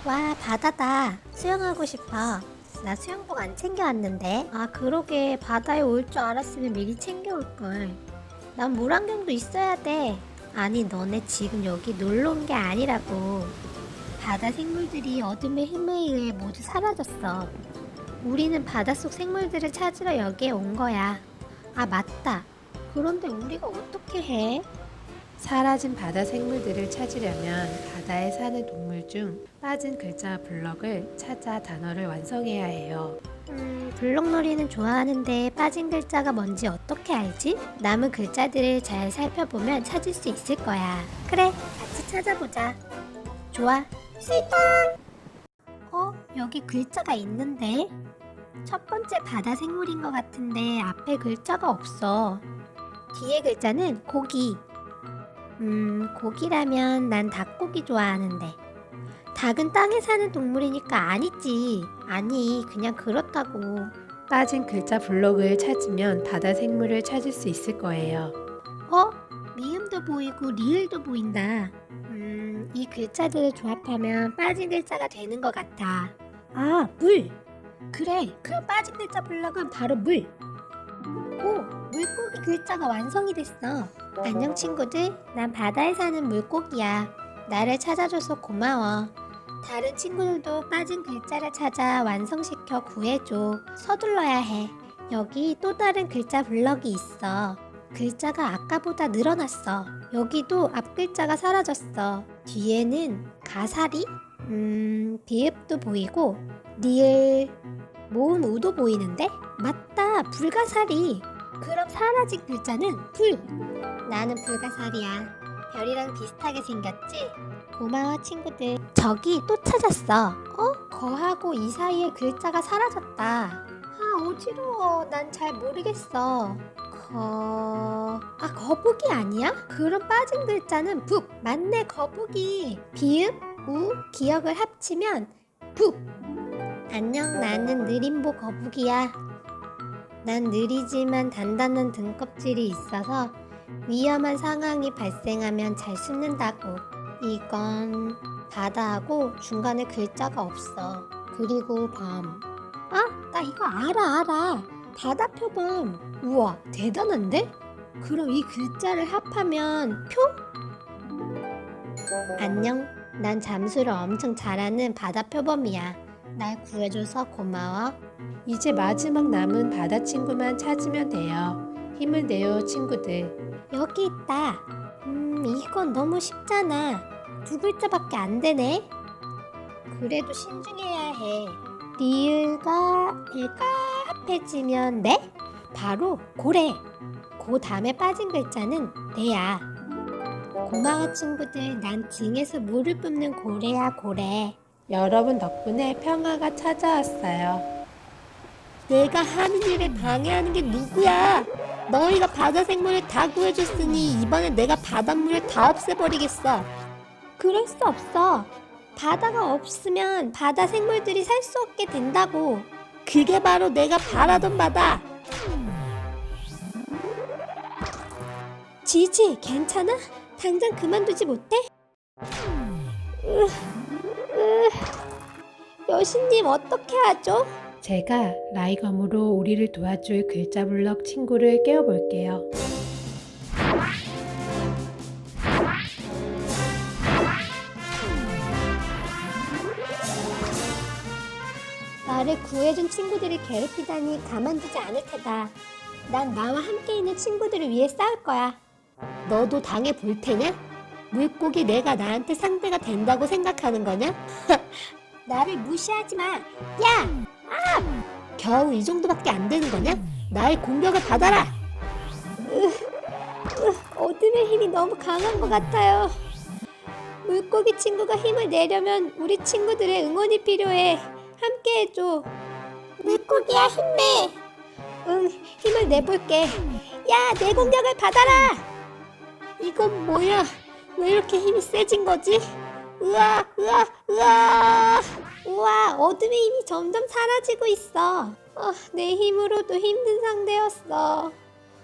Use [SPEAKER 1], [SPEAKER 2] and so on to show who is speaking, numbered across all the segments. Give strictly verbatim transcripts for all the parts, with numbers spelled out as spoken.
[SPEAKER 1] 와, 바다다. 수영하고 싶어. 나 수영복 안 챙겨왔는데. 아, 그러게. 바다에 올 줄 알았으면 미리 챙겨올걸. 난 물안경도 있어야 돼. 아니, 너네 지금 여기 놀러 온 게 아니라고. 바다 생물들이 어둠의 힘에 의해 모두 사라졌어. 우리는 바닷속 생물들을 찾으러 여기에 온 거야. 아, 맞다. 그런데 우리가 어떻게 해?
[SPEAKER 2] 사라진 바다 생물들을 찾으려면 바다에 사는 동물 중 빠진 글자 블럭을 찾아 단어를 완성해야 해요.
[SPEAKER 1] 음, 블록놀이는 좋아하는데 빠진 글자가 뭔지 어떻게 알지? 남은 글자들을 잘 살펴보면 찾을 수 있을 거야. 그래, 같이 찾아보자. 좋아. 술탕! 어, 여기 글자가 있는데? 첫 번째 바다 생물인 것 같은데 앞에 글자가 없어. 뒤에 글자는 고기. 음, 고기라면 난 닭고기 좋아하는데. 닭은 땅에 사는 동물이니까 아니지. 아니, 그냥 그렇다고.
[SPEAKER 2] 빠진 글자 블럭을 찾으면 바다 생물을 찾을 수 있을 거예요.
[SPEAKER 1] 어? 미음도 보이고 리을도 보인다. 음, 이 글자들을 조합하면 빠진 글자가 되는 것 같아. 아, 물! 그래, 그럼 빠진 글자 블럭은 바로 물! 오, 물고기 글자가 완성이 됐어. 안녕 친구들, 난 바다에 사는 물고기야. 나를 찾아줘서 고마워. 다른 친구들도 빠진 글자를 찾아 완성시켜 구해줘. 서둘러야 해. 여기 또 다른 글자 블럭이 있어. 글자가 아까보다 늘어났어. 여기도 앞 글자가 사라졌어. 뒤에는 가사리? 음, 비읍도 보이고 리을, 모음 우도 보이는데? 맞다, 불가사리. 그럼 사라진 글자는 불. 나는 불가사리야. 별이랑 비슷하게 생겼지? 고마워 친구들. 저기 또 찾았어. 어? 거하고 이 사이에 글자가 사라졌다. 아, 어지러워. 난 잘 모르겠어. 거... 아, 거북이 아니야? 그럼 빠진 글자는 북. 맞네, 거북이. 비읍, 우, 기역을 합치면 북. 안녕, 나는 느림보 거북이야. 난 느리지만 단단한 등껍질이 있어서 위험한 상황이 발생하면 잘 숨는다고. 이건 바다하고 중간에 글자가 없어. 그리고 밤. 아, 나 이거 알아, 알아. 바다 표범. 우와, 대단한데? 그럼 이 글자를 합하면 표? 안녕. 난 잠수를 엄청 잘하는 바다 표범이야. 날 구해줘서 고마워.
[SPEAKER 2] 이제 마지막 남은 바다 친구만 찾으면 돼요. 힘을 내요, 친구들.
[SPEAKER 1] 여기 있다. 음, 이건 너무 쉽잖아. 두 글자밖에 안 되네. 그래도 신중해야 해. 리을과 애가 합해지면 네? 바로 고래. 고 다음에 빠진 글자는 내야. 고마워 친구들. 난 등에서 물을 뿜는 고래야, 고래.
[SPEAKER 2] 여러분 덕분에 평화가 찾아왔어요.
[SPEAKER 1] 내가 하는 일을 방해하는 게 누구야? 너희가 바다 생물을 다 구해줬으니 이번엔 내가 바닷물을 다 없애버리겠어. 그럴 수 없어. 바다가 없으면 바다 생물들이 살 수 없게 된다고. 그게 바로 내가 바라던 바다. 지지, 괜찮아? 당장 그만두지 못해? 으, 으, 여신님 어떻게 하죠?
[SPEAKER 2] 제가 라이검으로 우리를 도와줄 글자 블럭 친구를 깨워볼게요.
[SPEAKER 1] 나를 구해준 친구들을 괴롭히다니 가만두지 않을 테다. 난 나와 함께 있는 친구들을 위해 싸울 거야. 너도 당해 볼 테냐? 물고기 내가 나한테 상대가 된다고 생각하는 거냐? 나를 무시하지 마. 야! 아! 겨우 이 정도밖에 안 되는 거냐? 나의 공격을 받아라. 으, 으, 어둠의 힘이 너무 강한 것 같아요. 물고기 친구가 힘을 내려면 우리 친구들의 응원이 필요해. 함께 해줘. 물고기야, 힘내. 응, 힘을 내볼게. 야, 내 공격을 받아라. 이건 뭐야? 왜 이렇게 힘이 세진 거지? 으아, 으아, 으아. 우와, 어둠의 힘이 점점 사라지고 있어. 아, 내 힘으로도 힘든 상대였어.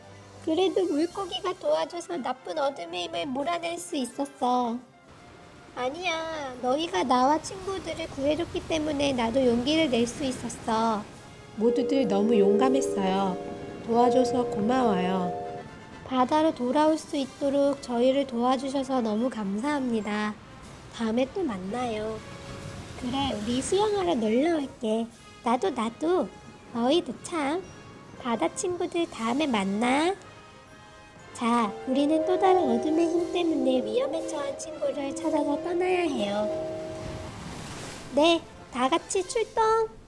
[SPEAKER 1] 그래도 물고기가 도와줘서 나쁜 어둠의 힘을 몰아낼 수 있었어. 아니야. 너희가 나와 친구들을 구해줬기 때문에 나도 용기를 낼 수 있었어.
[SPEAKER 2] 모두들 너무 용감했어요. 도와줘서 고마워요.
[SPEAKER 1] 바다로 돌아올 수 있도록 저희를 도와주셔서 너무 감사합니다. 다음에 또 만나요. 그래, 우리 수영하러 놀러 올게. 나도 나도. 너희도 참. 바다 친구들 다음에 만나. 자, 우리는 또 다른 어둠의 힘 때문에 위험에 처한 친구를 찾아서 떠나야 해요. 네, 다 같이 출동!